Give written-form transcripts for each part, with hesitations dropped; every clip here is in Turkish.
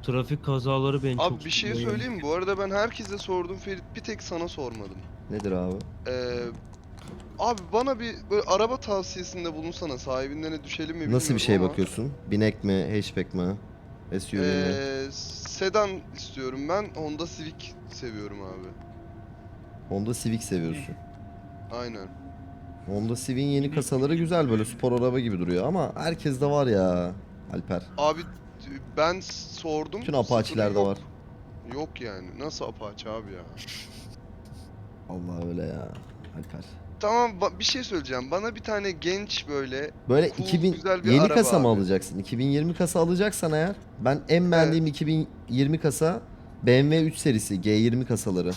Trafik kazaları beni çok Abi bir şey sıkıyor. söyleyeyim mi? Bu arada ben herkese sordum Ferit, bir tek sana sormadım. Nedir abi? Ee, Abi bana bir böyle araba tavsiyesinde bulunsana. Sahibinden de düşelim mi Nasıl bir bilmiyorum şey ama. bakıyorsun? Binek mi, hatchback mi, SUV mi? Sedan istiyorum ben. Honda Civic seviyorum abi. Honda Civic Ne? seviyorsun. Aynen. Honda Civic'in yeni Binek mi kasaları diyeyim, güzel, böyle böyle. spor araba gibi duruyor ama herkes de var ya Alper. Abi ben sordum. Bütün Sıfırı Apache'lerde var. yok. Yok yani. Nasıl Apache abi ya? Allah öyle ya Alper. Tamam bir şey söyleyeceğim. Bana bir tane genç böyle Böyle cool 2000 güzel bir yeni araba kasa mı abi. alacaksın? 2020 kasa alacaksan eğer, ben en Evet. beğendiğim 2020 kasa BMW 3 serisi G20 kasaları.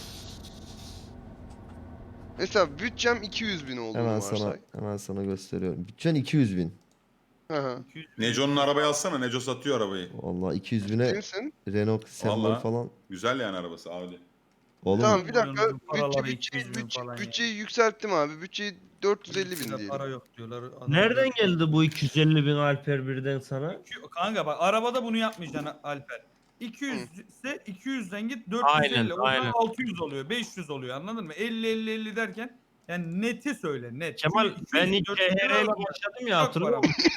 Mesela bütçem 200 bin olduğunu varsay. Hemen sana gösteriyorum. Bütçen 200 bin. Hı hı. 200 Neco'nun arabayı alsana. Neco satıyor arabayı. Vallahi 200 bine Ciddi misin? Renault Sembol Valla. falan. Güzel yani arabası Audi. Oğlum Tamam Ne bir dakika. koyuyorsunuz paraları 200 bin falan ya. Bütçeyi yükselttim abi. Bütçeyi 450 bin Listede diyelim. para yok diyorlar. Adam Nereden 400 geldi bu 250 bin Alper birden sana? Kanka bak arabada bunu yapmayacaksın Alper. Hı. 200 ise 200'den git Aynen 450. O zaman aynen. 600 oluyor. 500 oluyor anladın mı? 50 derken yani neti söyle net. Kemal Çünkü ben 200 ilk 400 lira CHR ile araba başladım ya, çok hatırlıyor para. musun?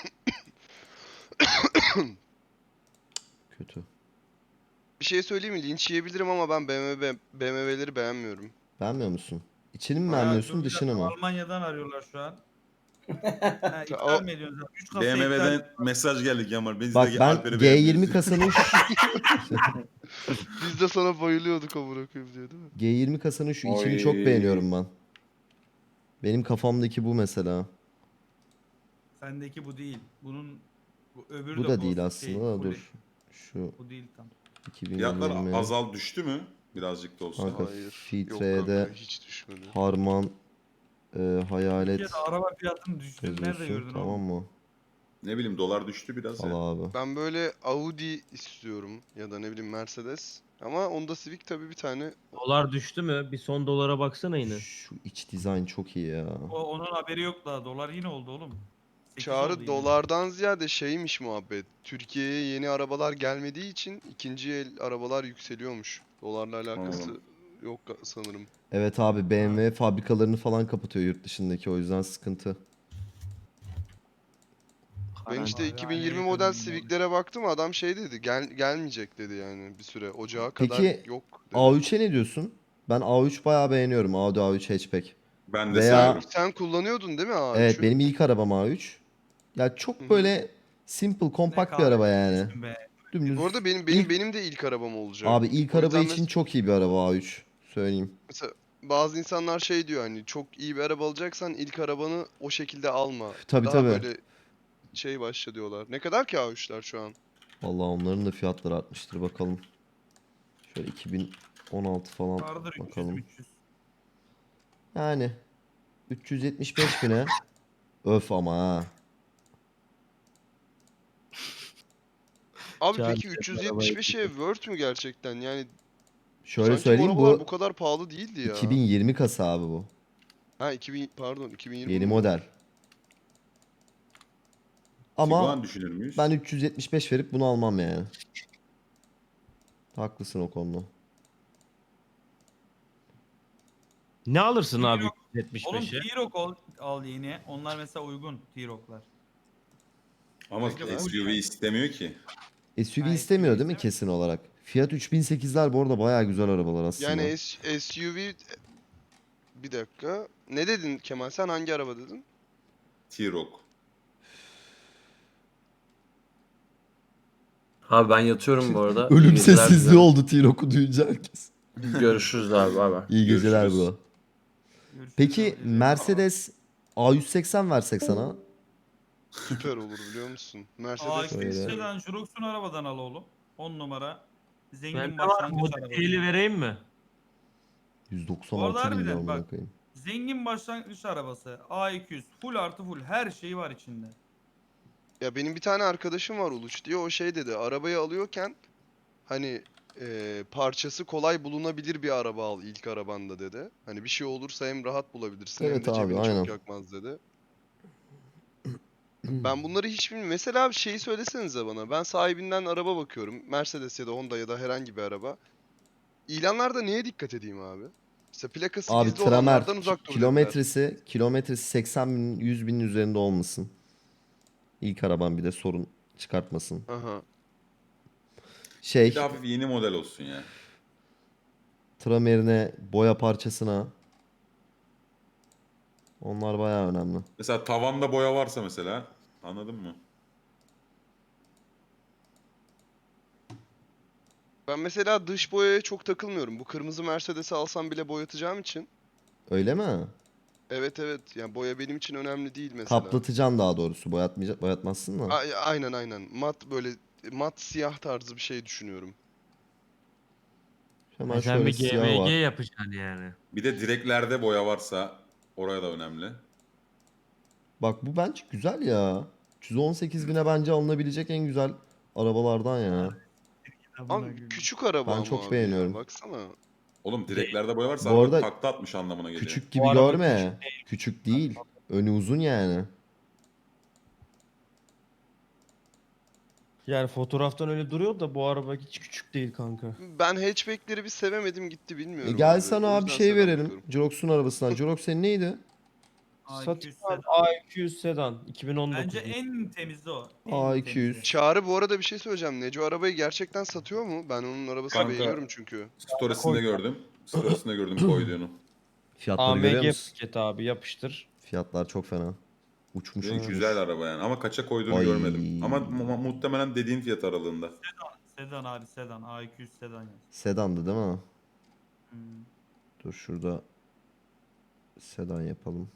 kötü. Bir şey söyleyeyim mi? Linç yiyebilirim ama ben BMW'leri beğenmiyorum. Beğenmiyor musun? İçini mi Aynen. Ya dur beğenmiyorsun, bir dışını dakika mı? Almanya'dan arıyorlar şu an. Ha, O, iptal mi ediyorsun? 3 kasa iptal. BMW'den mesaj geldi Kemal. Biz Bak de ben Alper'i beğenmiyoruz. G20 kasanın biz de sana bayılıyorduk amına koyayım diyor değil mi? G20 kasanın şu içini çok Oy. beğeniyorum ben. Benim kafamdaki bu mesela. Sendeki bu değil. Bu öbürü Bu de da değil Ghost aslında şey. da, Fully. dur. Şu Bu değil tam. Fiyatlar 2020 azal düştü mü? Birazcık da olsa. kanka, Hayır. Yok filtreye kanka de hiç düşmedi. Harman Türkiye'de hayalet araba fiyatının düştüğünü nerede yazıyorsun, gördün tamam oğlum? mı? Ne bileyim dolar düştü biraz Al ya. abi. Ben böyle Audi istiyorum ya da ne bileyim Mercedes. Ama Honda Civic tabii bir tane. Dolar düştü mü? Bir son dolara baksana yine. Şu iç dizayn çok iyi ya. Onun haberi yok daha. Dolar yine oldu oğlum. 8 oldu Çağrı yine. dolardan ziyade şeymiş muhabbet. Türkiye'ye yeni arabalar gelmediği için ikinci el arabalar yükseliyormuş. Dolarla alakası Anladım. yok sanırım. Evet abi, BMW fabrikalarını falan kapatıyor yurt dışındaki, o yüzden sıkıntı. Ben işte Vallahi 2020 haneye model döndüm oğlum. Civic'lere baktım, adam şey dedi, gelmeyecek dedi yani bir süre, ocağa kadar Peki yok dedi. A3'e ne diyorsun? Ben A3 bayağı beğeniyorum. Audi A3 hatchback. Ben de Veya severim. Sen kullanıyordun değil mi evet, A3'ü? benim ilk arabam A3. Ya Hı çok hı. böyle simple, Ne kompakt bir kahve araba yani. içmişsin be. Dümdüz. Bu arada benim İlk, benim de ilk arabam olacak. abi ilk O araba yüzden için çok iyi bir araba A3. Söyleyeyim. mesela bazı insanlar şey diyor, hani çok iyi bir araba alacaksan ilk arabanı o şekilde alma. Tabii Daha tabii. böyle şey başla diyorlar. Ne kadar ki A3'ler şu an? Vallahi onların da fiyatları artmıştır, bakalım. Şöyle 2016 falan Vardır 300 bakalım. 300. Yani 375 bine. Öf ama ha. Abi Çağrı peki sen arabayı 375'e worth mü gerçekten? Yani Şöyle sanki bu söyleyeyim, arabalar bu bu kadar pahalı değildi ya. 2020 kasa abi bu. Ha 2000 pardon 2020 Yeni mi bu? model. Ama Tiguan düşünür ben müyüz? 375 verip bunu almam yani. Haklısın o konuda. Ne alırsın abi Oğlum 375'e? T-Roc al yeni. Onlar mesela uygun T-Roc'lar. Ama Kanka full SUV yani. istemiyor ki. SUV Ha, istemiyor değil mi ise kesin olarak? Fiat 3008'ler bu arada bayağı güzel arabalar aslında. Yani SUV, bir dakika. Ne dedin Kemal, sen hangi araba dedin? T-Roc. Abi ben yatıyorum bu arada. İyi Ölüm geceler sessizliği dilerim. oldu T-Roc'u duyunca herkes. Görüşürüz abi. Bay bay. İyi geceler Görüşürüz. bro. görüşürüz Peki abi. Mercedes A180 versek sana? Süper olur biliyor musun? Mercedes de Şöyle. istiyorum. A180 Jurox'un arabadan al oğlum. 10 numara. Ben Zengin de var, başlangıç modifiyeli arabası. vereyim mi? Bu arada 196 bin lira harbiden amına bak. koyayım. Zengin başlangıç arabası. A200. Full artı full. Her şeyi var içinde. Ya benim bir tane arkadaşım var Uluç diye, o şey dedi, arabayı alıyorken hani parçası kolay bulunabilir bir araba al ilk arabanda dedi. Hani bir şey olursa hem rahat bulabilirsin hem Evet de abi, cebini aynen. çok yakmaz dedi. Ben bunları hiç bilmiyorum. Mesela bir şeyi söylesenize bana. Ben sahibinden araba bakıyorum. Mercedes ya da Honda ya da herhangi bir araba. İlanlarda neye dikkat edeyim abi? İşte plakası Abi gizli Tramer olanlardan uzak dur dediler. kilometresi 80 bin 100 binin üzerinde olmasın. İlk araban bir de sorun çıkartmasın. Aha. Şey Bir de hafif yeni model olsun ya. tramerine, boya parçasına. Onlar bayağı önemli. Mesela tavanda boya varsa mesela, anladın mı? Ben mesela dış boyaya çok takılmıyorum. Bu kırmızı Mercedes'i alsam bile boyatacağım için. Öyle mi? Evet evet. Yani boya benim için önemli değil mesela. Kaplatacaksın daha doğrusu. Boyatmazsın da. Aynen aynen. Mat böyle mat siyah tarzı bir şey düşünüyorum. Hemen Sen şöyle bir siyahı GMG var. yapacaksın yani. Bir de direklerde boya varsa oraya da önemli. Bak bu bence güzel ya. 318 bine bence alınabilecek en güzel arabalardan ya. Ama küçük araba Ben ama çok abi ya. beğeniyorum. Baksana. Oğlum direklerde boya varsa Bu araba arada takla atmış anlamına geliyor. küçük Bu gibi araba görme. Küçük değil. Önü uzun yani. Yani fotoğraftan öyle duruyor da bu araba hiç küçük değil kanka. Ben hatchback'leri bir sevemedim gitti bilmiyorum Gel abi. sana O abi yüzden şey sedan verelim. bakıyorum. Jirox'un arabasından. Jirox senin neydi? Satayım A200 abi. sedan. A200 sedan. 2019. Bence en temizi o. En A200. temizi. Çağrı bu arada bir şey söyleyeceğim. Neco arabayı gerçekten satıyor mu? Ben onun arabasını Kanka beğeniyorum çünkü. storiesinde gördüm. Storiesinde gördüm koyduğunu. Fiyatları görüyor AMG musun? paket abi yapıştır. Fiyatlar çok fena. Uçmuş Ve uçmuş. güzel araba yani ama kaça koyduğunu Ay. görmedim. Ama muhtemelen dediğin fiyat aralığında. Sedan abi sedan. A200 sedan yaz. Sedandı değil mi? Hmm. Dur şurada sedan yapalım.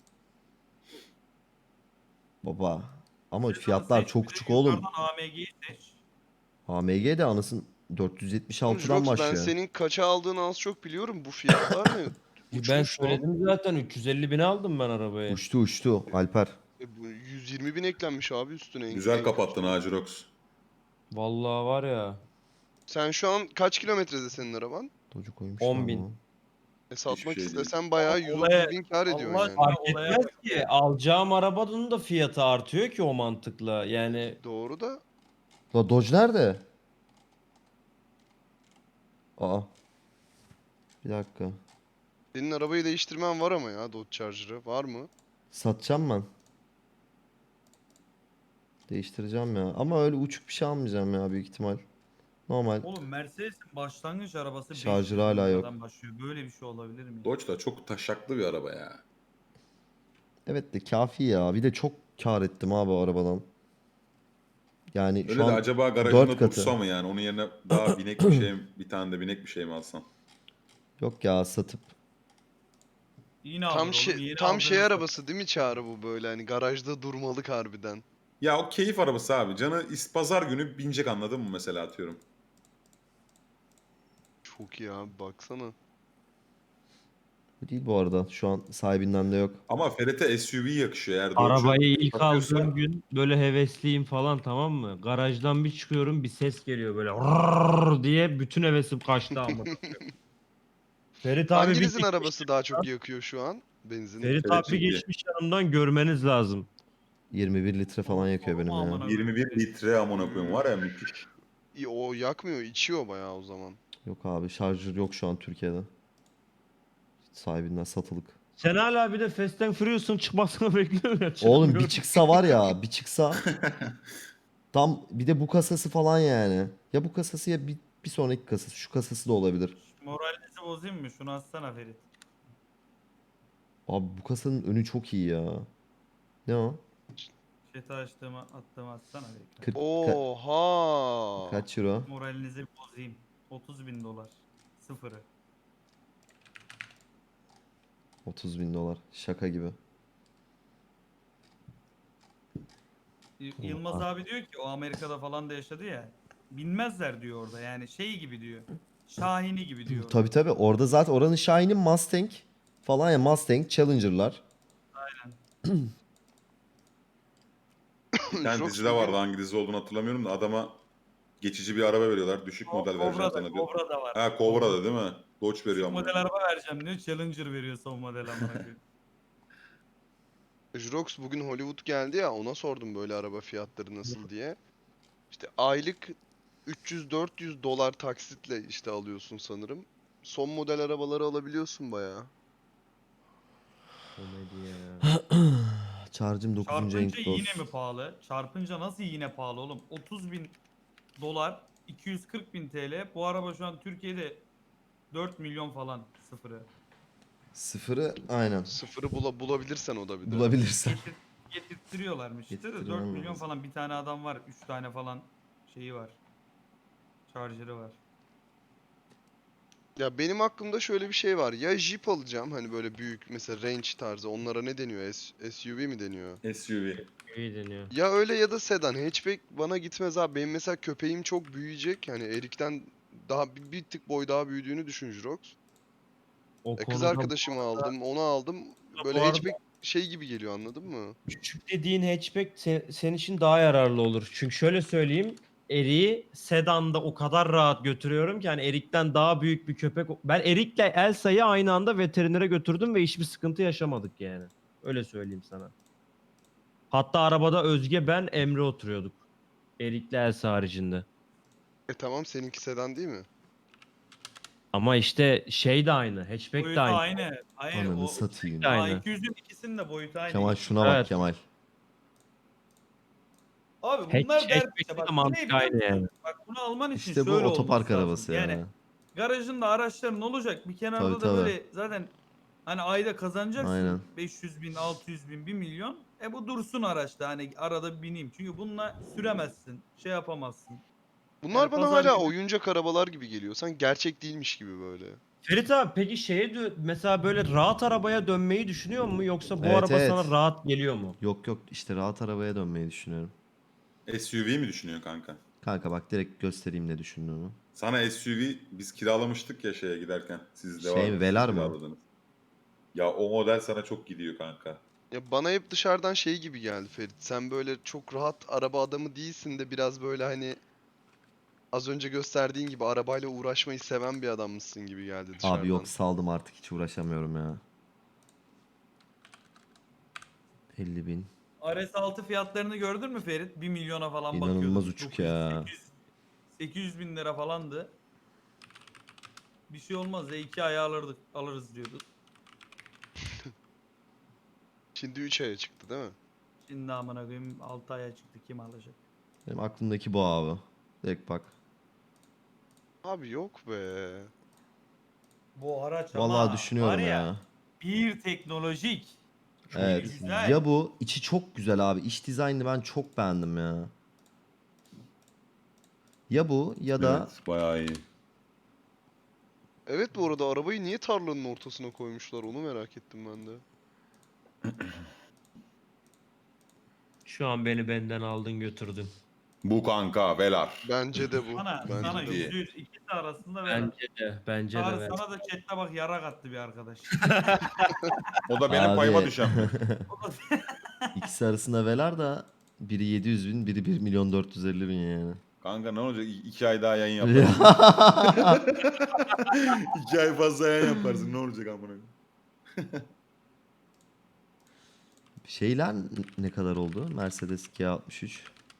Baba. Ama Sedanı fiyatlar seç, çok bir de küçük oğlum. yukarıdan AMG'yi seç. AMG de anasın Oğlum 476'dan Jirox ben başlıyor. senin kaça aldığını az çok biliyorum. Bu fiyatlar ne? Ben Uçmuş lan. söyledim zaten 350 bine aldım ben arabayı. Uçtu uçtu Alper. Bu 120 bin eklenmiş abi üstüne. Güzel en kapattın kötüsü. ha Jirox. Vallahi var ya. Sen şu an kaç kilometrede senin araban? Docu koymuş 10 bin. lan. Satmak şey değil. istesen bayağı 130 Olaya- bin kar ediyorsun Allah yani. aşkına Fark olaya etmez bak ki ya. alacağım arabanın da fiyatı artıyor ki o mantıkla. Yani Doğru da La Dodge nerede? Aa. Bir dakika. senin arabayı değiştirmen var ama ya Dodge Charger'ı. Var mı? Satacağım ben. Değiştireceğim ya. Ama öyle uçuk bir şey almayacağım ya büyük ihtimal. Normal. Oğlum Mercedes'in başlangıç arabası 500 Şarjı bin hala yok. liradan başlıyor. Böyle bir şey olabilir mi? Dodge da çok taşaklı bir araba ya. Evet de kafi ya. Bir de çok kar ettim abi o arabadan. Yani Öyle şu de an acaba 4 garajında katı. dursa mı yani? Onun yerine daha binek bir şey, bir tane de binek bir şey mi alsan? Yok ya satıp. Yine alır Tam oğlum. şey Yeni tam şey aldığını arabası değil mi Çağrı bu böyle hani garajda durmalık harbiden. Ya o keyif arabası abi. Canı pazar günü binecek anladın mı mesela atıyorum. Çok iyi abi baksana. Bu değil bu arada. Şu an sahibinden de yok. Ama Ferhat'e SUV yakışıyor. Eğer Dodge'u arabayı ilk satıyorsa- aldığım gün böyle hevesliyim falan, tamam mı? Garajdan bir çıkıyorum, bir ses geliyor böyle "Rrrr" diye, bütün hevesim kaçtı ama. Ferit abi bir Hanginizin arabası daha çok yakıyor şu an? Benzin. Ferit Evet, abi çünkü- geçmiş yanımdan, görmeniz lazım. 21 litre falan yakıyor benim Aman ya. aman. 21 litre amına koyayım var ya müthiş. O yakmıyor, içiyor bayağı o zaman. Yok abi şarjör yok şu an Türkiye'de. Sahibinden satılık. Sen hala bir de Fast and Furious'un çıkmasını bekliyorsun ya. Oğlum bir çıkmıyor. çıksa var ya bir çıksa. Tam bir de bu kasası falan yani. Ya bu kasası ya bir sonraki kasası. Şu kasası da olabilir. Moralinizi bozayım mı? Şunu atsana Ferit. Abi bu kasanın önü çok iyi ya. Ne o? Chat'e attığımı atsana Ferit. 40 Oha! kaç euro? Moralinizi bozayım. 30 bin dolar. Sıfırı. 30 bin dolar. Şaka gibi. Yılmaz abi diyor ki o Amerika'da falan da yaşadı ya. Binmezler diyor orada yani şey gibi diyor. Şahini gibi diyor. Tabi tabi orada zaten oranın Shine'in Mustang falan ya, Mustang Challenger'lar. Bir tane Jox dizide bugün- vardı hangi dizi olduğunu hatırlamıyorum da adama geçici bir araba veriyorlar. Düşük model vereceğim sana diyor. Cobra da var. Ha Cobra'da değil mi? Dodge veriyor Düşük ama. model araba vereceğim diyor. Challenger veriyor son model amına koyayım. Jrox bugün Hollywood geldi ya, ona sordum böyle araba fiyatları nasıl diye. İşte aylık 300-400 dolar taksitle işte alıyorsun sanırım. Son model arabaları alabiliyorsun bayağı. Komedi ya. Charge'ım 9. Çarpınca renk yine dost. mi pahalı? Çarpınca nasıl yine pahalı oğlum? 30 bin dolar, 240 bin TL. Bu araba şu an Türkiye'de 4 milyon falan sıfırı. Sıfırı aynen. Sıfırı bulabilirsen o da bir de. Bulabilirsen. Getirtiyorlarmış işte de 4 Getirttirmen milyon lazım. falan bir tane adam var. 3 tane falan şeyi var. Charger'ı var. Ya benim aklımda şöyle bir şey var. Ya Jeep alacağım, hani böyle büyük mesela Range tarzı. Onlara ne deniyor? SUV mi deniyor? SUV. İyi deniyor. Ya öyle ya da sedan. Hatchback bana gitmez abi. Benim mesela köpeğim çok büyüyecek. Yani Erik'ten daha bir tık boy daha büyüdüğünü düşün Jirox. O Kız konuda arkadaşımı aldım, onu aldım. Böyle bu arada hatchback şey gibi geliyor, anladın mı? küçük dediğin hatchback senin için daha yararlı olur. Çünkü şöyle söyleyeyim. Erik'i sedanda o kadar rahat götürüyorum ki hani Erik'ten daha büyük bir köpek. Ben Erik'le Elsa'yı aynı anda veterinere götürdüm ve hiçbir sıkıntı yaşamadık yani. Öyle söyleyeyim sana. Hatta arabada Özge, ben, Emre oturuyorduk. Erik'le Elsa haricinde. Tamam, seninki sedan değil mi? Ama işte şey de aynı. Hatchback de Boyutu aynı. aynı. Hayır Ananı o De satayım. aynı. A200'ün ikisinin de boyutu aynı. Kemal şuna bak Evet. Kemal. Abi bunlar dert işte. Hatchback'te de Bak bu ne mantık biliyor aynı yani. musun? Bak bunu alman için İşte bu şöyle otopark olması lazım. arabası Yani ya. garajında araçların olacak. Bir Tabii kenarda da tabii. böyle zaten hani ayda kazanacaksın Aynen. 500 bin, 600 bin, 1 milyon. Bu dursun araçta hani arada bir bineyim. Çünkü bununla süremezsin. Şey yapamazsın. Bunlar Yani bana pazar hala günü oyuncak arabalar gibi geliyor. Sanki gerçek değilmiş gibi böyle. Ferit abi peki mesela böyle rahat arabaya dönmeyi düşünüyor mu yoksa bu Evet araba sana evet. rahat geliyor mu? Yok yok işte rahat arabaya dönmeyi düşünüyorum. SUV mi düşünüyor kanka? Kanka bak direkt göstereyim ne düşündüğümü. Sana SUV biz kiralamıştık ya şeye giderken. Sizde Şey mi, vardı, siz Velar mı? kiraladınız. Ya o model sana çok gidiyor kanka. Ya bana hep dışarıdan şey gibi geldi Ferit. Sen böyle çok rahat araba adamı değilsin de biraz böyle hani az önce gösterdiğin gibi arabayla uğraşmayı seven bir adammışsın gibi geldi Abi dışarıdan. yok saldım artık hiç uğraşamıyorum ya. 50 bin. RS6 fiyatlarını gördün mü Ferit? 1 milyona falan İnanılmaz bakıyordum. uçuk 900, ya. 800 bin lira falandı. Bir şey olmaz ya 2 ay alırız diyorduk. Şimdi 3 aya çıktı değil mi? Şimdi amına koyayım 6 aya çıktı kim alacak? Benim aklımdaki bu abi. Direkt bak. Abi yok be. Bu araç Vallahi ama var düşünüyorum ya ya. bir teknolojik. Bir Evet. güzel. Ya bu içi çok güzel abi. İç dizaynını ben çok beğendim ya. Ya bu ya da Evet, bayağı iyi. Evet, bu arada arabayı niye tarlanın ortasına koymuşlar, onu merak ettim ben de. Şu an beni benden aldın götürdün. Bu kanka Velar. Bence de bu. Sana Bence de bu. %100 ikisi arasında ver. Bence de ver. Sana da chatte bak yarak attı bir arkadaş. O da benim payıma abi düşen mi? ikisi arasında velar da biri 700 bin biri 1 milyon 450 bin yani. Kanka ne olacak? 2 ay daha yayın yaparsın. 2 ay fazla yayın yaparsın. Ne olacak amına koyayım? Şeyler ne kadar oldu? Mercedes G63.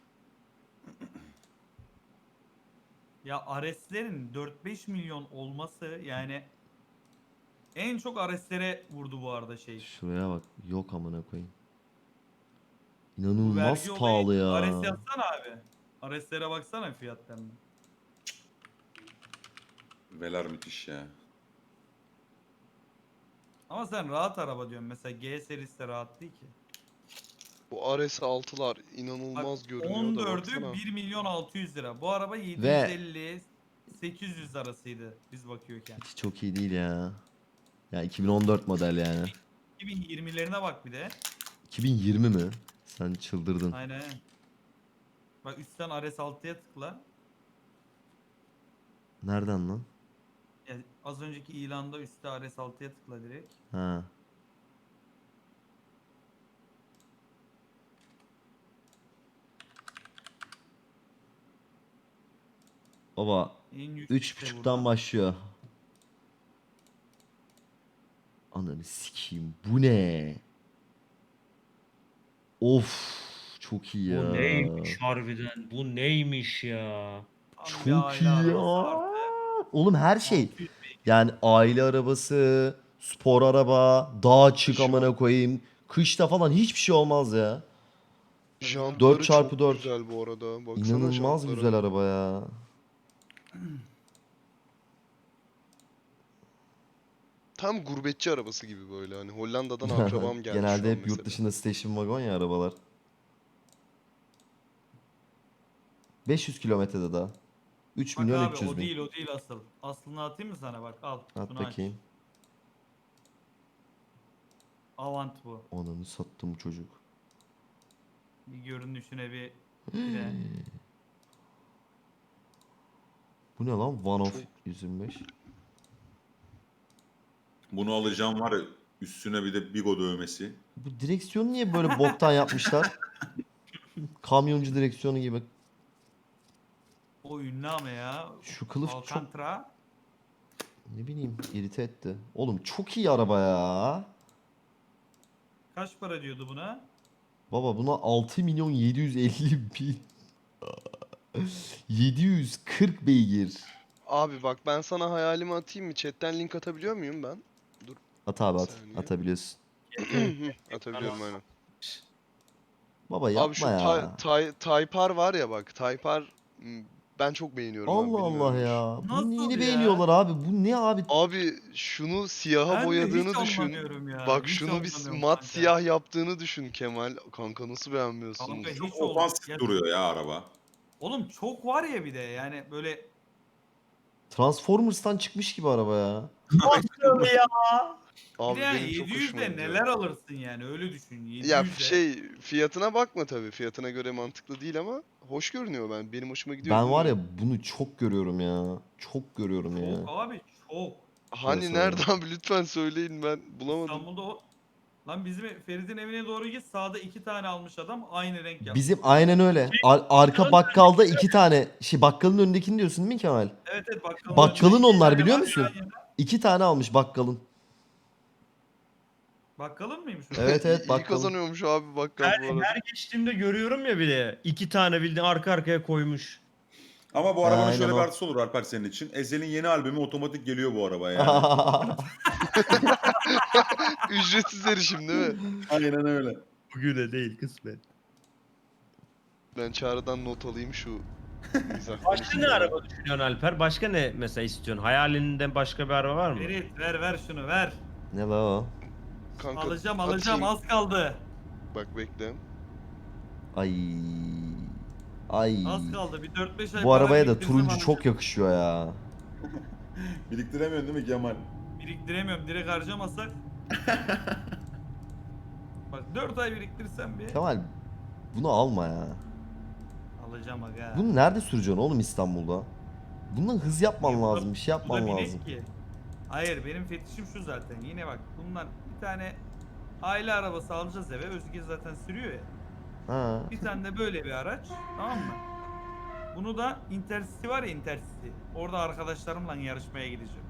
Ya Ares'lerin 4-5 milyon olması yani en çok Ares'lere vurdu bu arada şey. Şuraya bak. Yok amına koyayım. Bu İnanılmaz vergi olayı pahalı Ares ya. yazsana abi. Ares'lere baksana fiyatlarına. Velar müthiş ya. Ama sen rahat araba diyorsun. Mesela G serisi de rahat değil ki. Bu RS6'lar Bak inanılmaz görünüyor da 14'ü baksana. 1 milyon 600 lira. Bu araba Ve 750-800 arasıydı biz bakıyorken. hiç çok iyi değil ya. Ya 2014 model yani. 2020'lerine bak bir de. 2020 mi? Sen çıldırdın. Aynen. Bak üstten RS6'ya tıkla. Nereden lan? Yani az önceki ilanda üstte RS6'ya tıkla direkt. Ha. Baba En yüksek de 3.5'tan burada. başlıyor. Ananı sikeyim. Bu ne? Of çok iyi ya. Bu neymiş harbiden? Bu neymiş ya? Tam bir Çok aile iyi ya. arabası artı. Oğlum her şey. 600 beygir. Yani aile arabası, spor araba, dağa çık Şu- amına koyayım. Kışta falan hiçbir şey olmaz ya. Jantları 4x4. çok güzel bu arada. Baksana İnanılmaz jantlara. güzel araba ya. Tam gurbetçi arabası gibi böyle hani Hollanda'dan akrabam geldi şu Genelde an hep yurt mesela. dışında station wagon ya arabalar. 500 kilometrede daha. 3 Bak milyon abi 300 o bin. değil o değil asıl. Aslını atayım mı sana bak al. At Şunu aç. bakayım. Avant bu. Ananı sattım çocuk. Bir görünüşüne bir de. Bu ne lan? One of 125. Bunu alacağım var ya, üstüne bir de Bigo dövmesi. Bu direksiyonu niye böyle boktan yapmışlar? Kamyoncu direksiyonu gibi. O ünlü ama ya. Şu kılıf çok Alcantara. ne bileyim irite etti. Oğlum çok iyi araba ya. Kaç para diyordu buna? Baba buna 6 milyon 750 bin. 740 beygir. Abi bak ben sana hayalimi atayım mı? Chatten link atabiliyor muyum ben? At abi Bir at. saniye. Atabiliyorsun. Atabiliyorum aynen. Baba yapma Abi şu ya. Type R var ya bak. Type R ben çok beğeniyorum abi, Allah Allah bilmiyorum. ya. Nasıl Bu neyini ya? beğeniyorlar abi? Bu ne abi? Abi şunu siyaha Ben de boyadığını hiç düşün. anlamıyorum ya. Bak Hiç şunu bir anlamıyorum mat kanka. siyah yaptığını düşün Kemal. Kanka nasıl beğenmiyorsunuz? Kanka hiç Çok oldu. ofansif Ya, duruyor ya araba. oğlum çok var ya bir de yani böyle Transformers'tan çıkmış gibi araba ya. Nasıl ya? bir Abi de yani benim çok 700 hoşuma de gidiyor. neler alırsın yani öyle düşün. 700 Ya de. fiyatına bakma tabii. Fiyatına göre mantıklı değil ama hoş görünüyor ben. Benim hoşuma gidiyor. Ben var ya bilmiyorum. bunu çok görüyorum ya. Çok görüyorum ya. Çok abi çok. Hani Piyasa nerede ya. abi lütfen söyleyin, ben bulamadım. İstanbul'da o. Lan bizim Ferit'in evine doğru git sağda 2 tane almış adam aynı renk yapmış. Bizim aynen öyle. Arka bakkalda 2 tane bakkalın önündekini diyorsun değil mi Kemal? Evet evet bakkalın Bakkalın önünde iki onlar tane biliyor var musun? yan yana. 2 tane almış bakkalın. Bakkalın mıymış o? Evet evet İyi bakkalın. kazanıyormuş abi bakkal bu arada. Her geçtiğimde görüyorum ya bir de. 2 tane bildiğin arka arkaya koymuş. Ama bu arabanın Aynen şöyle bir o. artısı olur Alper senin için. Ezel'in yeni albümü otomatik geliyor bu arabaya yani. Ücretsiz erişim değil mi? Aynen öyle. Bugüne değil kısmet. Ben Çağrı'dan not alayım şu mizah Başka ne konusunda. araba düşünüyorsun Alper? Başka ne mesela istiyorsun? Hayalinden başka bir araba var mı? Ferit ver şunu ver. Ne la o? Kanka, Alacağım atayım. az kaldı. Bak bekle. Ay. Ay. Az kaldı bir 4-5 ay Bu para arabaya da biriktirsem turuncu alacağım. çok yakışıyor ya. Biriktiremiyorsun değil mi Kemal? Biriktiremiyorum direkt harcamasak. Bak 4 ay biriktirsem bir Kemal bunu alma ya. alacağım aga. Bunu nerede süreceksin oğlum İstanbul'da? Bundan hız yapman Niye bu da- lazım, bir şey Bu da yapman binek lazım. ki. Hayır benim fetişim şu zaten. Yine bak bundan bir tane aile arabası alacağız eve. Özge zaten sürüyor ya. Ha. Bir tane de böyle bir araç. Tamam mı? Bunu da Intercity var ya Intercity. Orada arkadaşlarımla yarışmaya gideceğim.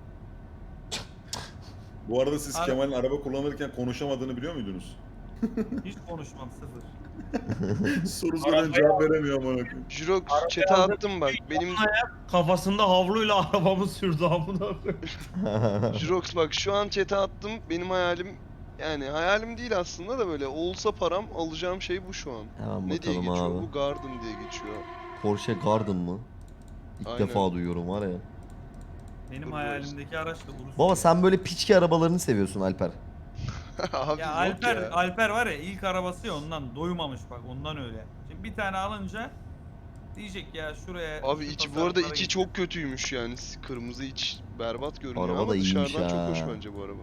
Bu arada siz Abi- Kemal'in araba kullanırken konuşamadığını biliyor muydunuz? Hiç konuşmam sıfır. Soru soruyorum cevap veremiyor amına koyayım. Jirox chat'e attım bak. Benim Kafasında havluyla arabamı sürdü amına koyayım. Jirox bak şu an chat'e attım. Benim hayalim, yani hayalim değil aslında da, böyle olsa param alacağım şey bu şu an. Hemen Ne diye bakalım geçiyor? abi. Bu Garden diye geçiyor. Porsche Garden mı? İlk Aynen. defa duyuyorum var ya. Benim Dur, hayalimdeki araç da Urus. Baba sen böyle piçki arabalarını seviyorsun Alper. Abi Ya yok Alper, ya. Alper var ya ilk arabası ya ondan doymamış bak ondan öyle. Şimdi bir tane alınca diyecek ya şuraya Abi şu içi bu tasarruflara arada içi gideceğim. çok kötüymüş yani. Kırmızı iç berbat görünüyor Araba ama da iyiymiş dışarıdan çok hoş ha. bence bu araba.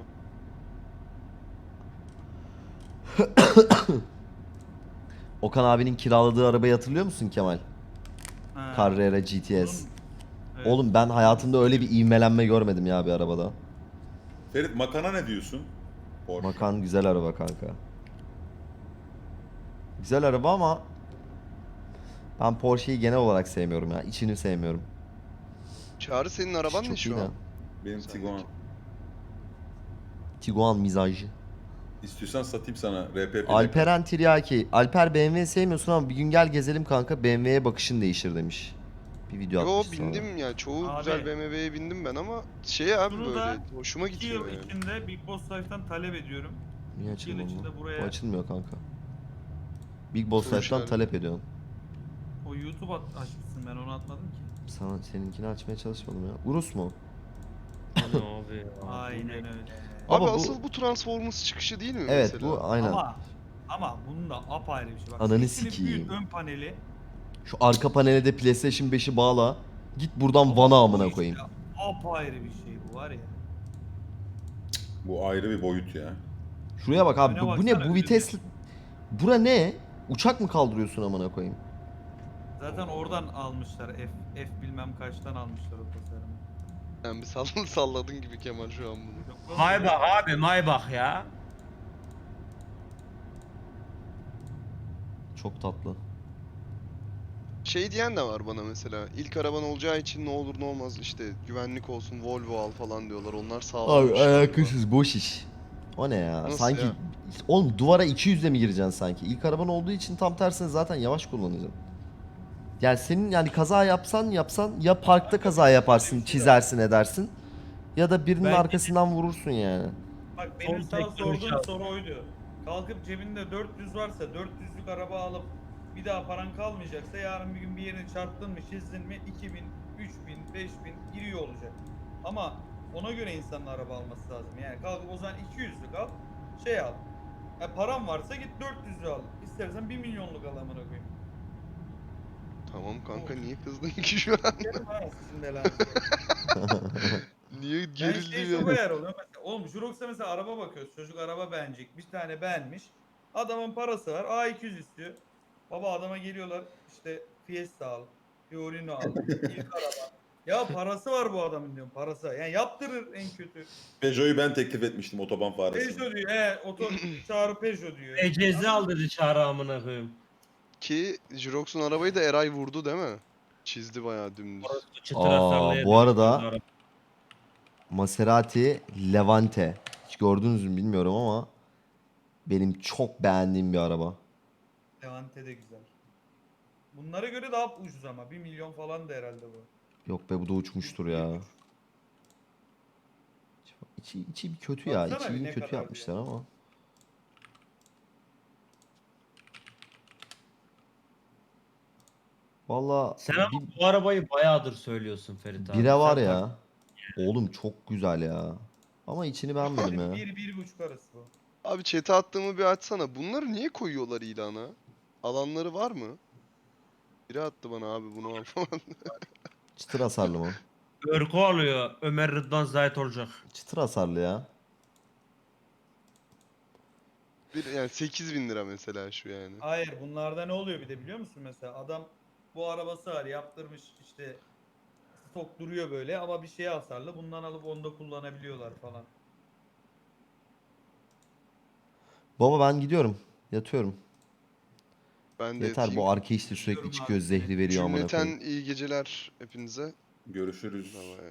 Okan abinin kiraladığı arabayı hatırlıyor musun Kemal? Ha, Carrera GTS. bunun- evet. Oğlum ben hayatımda öyle bir ivmelenme görmedim ya bir arabada. Ferit Makan'a ne diyorsun? Porsche. Makan güzel araba kanka. Güzel araba ama ben Porsche'yi genel olarak sevmiyorum ya. İçini sevmiyorum. Çağrı senin araban ne Çok iyi şu de. an? Benim Sen Tiguan. de- Tiguan mizacı. İstiyorsan satayım sana RP plaka. Alperen Tiryaki. Alper BMW sevmiyorsun ama bir gün gel gezelim kanka. BMW'ye bakışın değişir demiş. Bir video Yo atmış sonra. bindim ya. Çoğu Abi. güzel BMW'ye bindim ben ama şey abi Şunu böyle da hoşuma 2 gidiyor yıl yani. içinde Big Boss Life'tan talep ediyorum. Niye 2 yıl açılmıyor içinde bu? Bu buraya açılmıyor kanka. Big Boss Soru Life'dan işareti. talep ediyorum. o YouTube açmışsın, ben onu atmadım ki. Seninkini açmaya çalışmadım ya. Urus mu? Ne abi ya? Aynen öyle. Abi Ama bu- asıl bu Transformers çıkışı değil mi Evet mesela? bu aynen. Ama bunun da apayrı bir şey. Bak, Ananı sesini sikeyim. büyüt, ön paneli. Şu arka panele de PlayStation 5'i bağla. Git buradan Ama Van'a bu amına işte koyayım. Apayrı bir şey bu var ya. Bu ayrı bir boyut ya. Şuraya bak abi Öne bu ne baksana, bu öyle vites. bir- Bura ne? Uçak mı kaldırıyorsun amına koyayım? Zaten oradan almışlar. F bilmem kaçtan almışlar o tasarımı. Sen bir salladın gibi Kemal şu an bunu. Yok lan, Maybach abi Maybach ya. Çok tatlı. Şey diyen de var bana mesela. İlk araban olacağı için ne olur ne olmaz işte güvenlik olsun Volvo al falan diyorlar. Onlar sağlammış. Abi galiba. alakasız boş iş. O ne ya? Nasıl Sanki ya? oğlum duvara 200'le mi gireceksin sanki? İlk araban olduğu için tam tersine zaten yavaş kullanacaksın. Yani senin yani kaza yapsan ya parkta kaza yaparsın, öyle bir şey çizersin edersin ya da birinin Belki de- arkasından vurursun yani. Bak benim Son sana teknoloji sorduğum abi. soru oydu. Kalkıp cebinde 400 varsa 400'lük araba alıp bir daha paran kalmayacaksa yarın bir gün bir yerini çarptın mı çizdin mi 2000, 3000, 5000 giriyor olacak. Ama ona göre insanın araba alması lazım. Yani kalkıp o zaman 200'lük al, şey al. Param varsa git 400'lü al. İstersen 1 milyonluk al amına koyayım. Tamam kanka niye kızdın ki şu an? Derim ha sizin belanızı. Niye Ben gerildi şey ya? çok ayar oluyor. Mesela, oğlum Jurox'a mesela araba bakıyoruz. Çocuk araba beğenecek. Bir tane beğenmiş. Adamın parası var. A200 istiyor. Baba adama geliyorlar. İşte Fiesta al. Fiorino al. İlk araba. Ya parası var bu adamın diyorum. Parası. Yani yaptırır en kötü. Peugeot'u ben teklif etmiştim otoban faresine. Peugeot diyor. Çağrı Peugeot diyor. Ecezi al dedi Çağrı amına koyayım. Ki Jirox'un arabayı da Eray vurdu değil mi? Çizdi bayağı dümdüz. Orası çıtır Aa, hasarlı bu arada- Maserati Levante. Hiç gördünüz mü bilmiyorum ama benim çok beğendiğim bir araba. Levante de güzel. Bunlara göre daha ucuz ama. 1 milyon falan da herhalde bu. Yok be bu da uçmuştur ya. İçi bir kötü ya. Baksana bir İçini ne kötü kadar yapmışlar ama. Valla Sen ama bu arabayı bayağıdır söylüyorsun Ferit abi. bire var Sen ya. tak- Oğlum çok güzel ya. Ama içini beğenmedim ya. 1-1,5 arası bu. Abi chat'e attığımı bir açsana. Bunları niye koyuyorlar ilana? Alanları var mı? Biri attı bana abi bunu al falan. Çıtır hasarlı mı? Örgü alıyor. Ömer Rıdvan Zahit olacak. Çıtır hasarlı ya. Yani 8.000 lira mesela şu yani. Hayır, bunlarda ne oluyor bir de biliyor musun mesela? Adam bu arabası var, yaptırmış işte, stok duruyor böyle ama bir şeye hasarlı. Bundan alıp onda kullanabiliyorlar falan. Baba ben gidiyorum. Yatıyorum. Ben de Yeter yatayım. bu arke işte sürekli Gidiyorum çıkıyor abi. zehri veriyor amına Cümleten koyayım. iyi geceler hepinize. Görüşürüz. Bye bye.